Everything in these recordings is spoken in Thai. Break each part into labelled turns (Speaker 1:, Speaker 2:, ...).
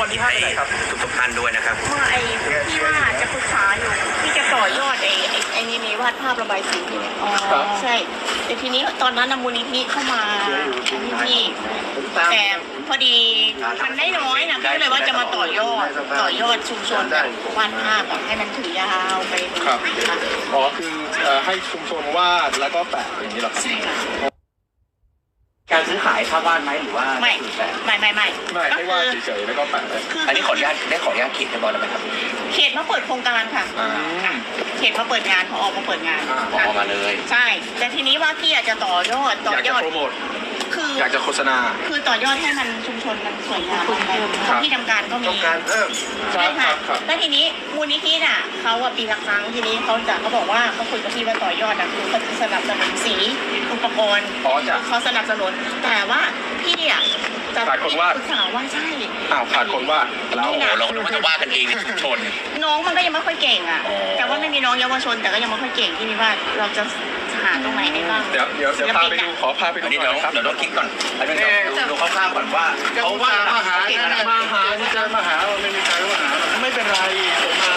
Speaker 1: วันที่5ไปไหนครับทุกท่านด้วยนะครับ
Speaker 2: ไอ้ที่ว่าจะปรึกษาอยู่ที่จะต่อยอดไอ้นี่วาดภาพระบายสีเนี่ยใช่แต่ทีนี้ตอนนั้นมูลนิธิเข้ามาที่แต่พอดีมันได้น้อยนะก็เลยว่าจะมาต่อยอดชุมชนวาดภาพให้มันถือยาวไป
Speaker 3: ครับอ๋อคือให้ชุมชนวาดแล้วก็แปะอย่างนี้หรอครับ
Speaker 2: ใช่ค่ะ
Speaker 1: การซื้อขายภาพวาดไหมหรือว่า
Speaker 2: ไม่
Speaker 3: ให้วาดเฉยๆแล้วก็แปะเลย
Speaker 1: อันนี้ขออนุญาตเขตให้บอลได้ไหมครับ
Speaker 2: เขตมาเปิดโครงการค่ะเขตมาเปิดงานพอออกมาเปิดงาน
Speaker 1: พอมาเลย
Speaker 2: ใช่แต่ทีนี้ว่าพี่อยากจะต่อยอด
Speaker 3: โปรโมท
Speaker 2: คือ
Speaker 3: อยากจะโฆษณา
Speaker 2: คือต่อยอดให้มันชุมชนมันสวยงามที่ทำการก็มี
Speaker 3: ต้องการเพิ่ม
Speaker 2: ใช่ค่ะแล้วทีนี้มูลนิธิน่ะเขาปีละครั้งทีนี้เขาบอกว่าเขาคุยกับพี่ว่าต่อยอดนะคือเขาจะสนับสนุนสีอุปกรณ์เขาสนับสนุนแต่ว่าพี่อ่ะ
Speaker 3: ขาดคนวาด
Speaker 2: ปรึกษาว่าใช่
Speaker 3: ขาดคนวาด
Speaker 1: เราจะวาดกันเองในชุมชน
Speaker 2: น้องมันก็ยังไม่ค่อยเก่งอ่ะแต่ว่าไม่มีน้องเยาวชนแต่ก็ยังไม่ค่อยเก่งที่นี่ว่าเราจะหาตรงไหนได้บ้าง
Speaker 3: เดี๋ยวพาไปดูขอพาไปดู
Speaker 1: หน่อยครับเดี๋ยวต้องคิดก่อนดูคร่าวๆก่อนว่า
Speaker 3: เขาว่ามาหาที่จะมาหาไม่มีใครว่าหาไม่เป็นไรผมมา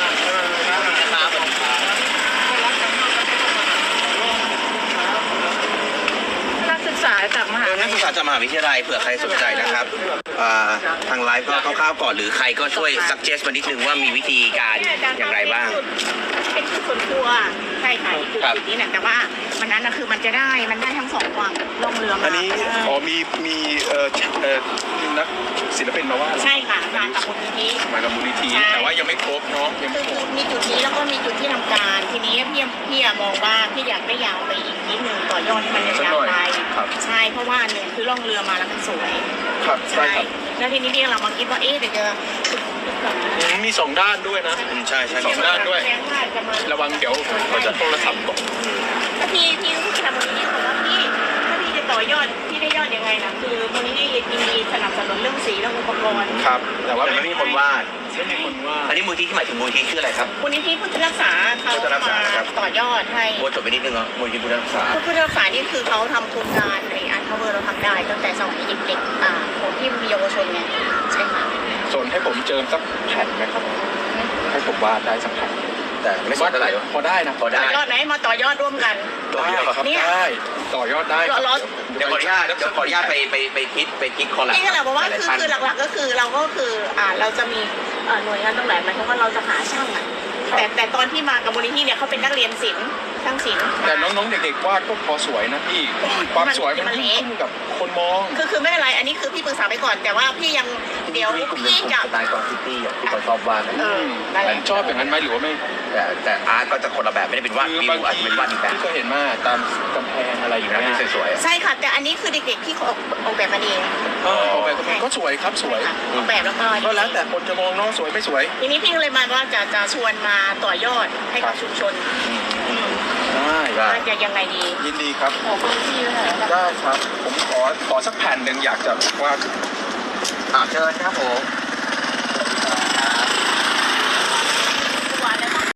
Speaker 2: นักศึกษาจากมหา
Speaker 1: วิทยาลัยเผื่อใครสนใจนะครับทางไลฟ์ก็คร่าวๆก่อนหรือใครก็ช่วย suggest มานิดนึงว่ามีวิธีการอย่างไรบ้าง
Speaker 2: เป็นจุดส่วนตัวใช่ค่ะจุดนี้นะแต่ว่ามันนั้นนะคือมันได้ทั้งสองฝั่งลงเรือมา
Speaker 3: อันนี้มีนักศิลปินมาว่า
Speaker 2: ใช่ค่ะมากับมูล
Speaker 3: นิธิแต่ว่ายังไม่ครบเนาะยังไม่ครบ
Speaker 2: มีจุดนี้แล้วก็มีจุดที่ทำการทีนี้พี่มองว่าพี่อยากได้ยาวไปอีกนิดนึงต่อยอดให้มันยาวไปใช่เพราะว่าหนึ่งคือล่องเรือมาแล้วมันสวย
Speaker 3: ครับใช่ครับ
Speaker 2: แล้วทีนี้เรามาคิดว่าเดี๋ยวจะ
Speaker 3: มี2 ด้านด้วยนะ
Speaker 1: ใช่
Speaker 3: 2 ด้านด้วยระวังเดี๋ยวเขาจะโทรศัพท์ตก
Speaker 2: ถ้าพี่รู้สึกมูลนิธิบอกว่าถ้าพี่จะต่อยอดพี่ได้ยอดยังไงนะคือมูลนิธิยินดีสนับสนุนเรื่องสีและอุปกรณ์
Speaker 3: ครับแต่ว่า
Speaker 1: ไม่มีคนวาดอันนี้มูลนิธิที่หมายถึงมูลนิธิชื่ออะไรครับ
Speaker 2: มูลนิธิพุทธรักษาเขามาต่อยอดให้
Speaker 1: โบจบไปนิดนึงมูลนิธิพุทธรักษา
Speaker 2: นี่คือเขาทำโครงการในอาร์ทเวอร์เราทำได้ตั้งแต่สมัยเด็กๆของที่มีเยาวชนไงใช่ค่ะ
Speaker 3: ส่วนให้ผมเจิมสักแผ่นไหมครับให้ผมวาดได้สักแผ่น
Speaker 1: แต่ไม่สนเท่าไหร่
Speaker 3: พอได้นะ
Speaker 2: ต่อยอดไหนมาต่อยอดร่วมกัน
Speaker 3: ได้ต่อยอดได้
Speaker 1: เดี๋ยวขออนุญาตไปคิดคอลแลบ
Speaker 2: นี่ก็แหละบอกว่าคือหลักๆก็คือเราจะมีหน่วยงานตรงไหนหมายความว่าเราจะหาช่างแต่ตอนที่มากับมูลนิธิเนี่ยเขาเป็นนักเรียนศิลป์ช่างศิลป์
Speaker 3: แต่น้องๆเด็กๆวาดก็พอสวยนะพี่ความสวยมันขึ้นกับคนมอง
Speaker 2: คือไม่เป็นไรอันนี้คือพี่ปรึกษาไปก่อนแต่ว่าพี่ยังเดี๋ยวพี่จะ
Speaker 1: สไตล์ของซิตี้อย่างที่เขาชอบวาด
Speaker 3: ชอบอย่างนั้นไหมหรือว่าไม่
Speaker 1: แต่อาร์ตก็จะคนละแบบไม่ได้เป็นวาดวิวอาจจะเป็นวาดอีกแบบ
Speaker 3: ที่ก็เห็นมาตามกำแพงอะไรอยู่นะ
Speaker 1: สวย
Speaker 2: ๆใช่ค่ะแต่อันนี้คือเด็กๆที่เขาออกแบบมาเอง
Speaker 3: ออกแบบก็สวยครับสวย
Speaker 2: ออกแบบแล้ว
Speaker 3: ก็แล้วแต่คนจะมองน้องสวยไม่สวย
Speaker 2: ทีนี้พี่เลยมาว่าจะชวนมาต่อยอดให้กับชุมชน
Speaker 3: ได้
Speaker 2: จะยังไงดี
Speaker 3: ยินดีครับ
Speaker 2: ขอพื้นที่เลย
Speaker 3: ได้ครับผมขอสักแผ่นหนึ่งอยากจะว่า
Speaker 1: เชิญครับผม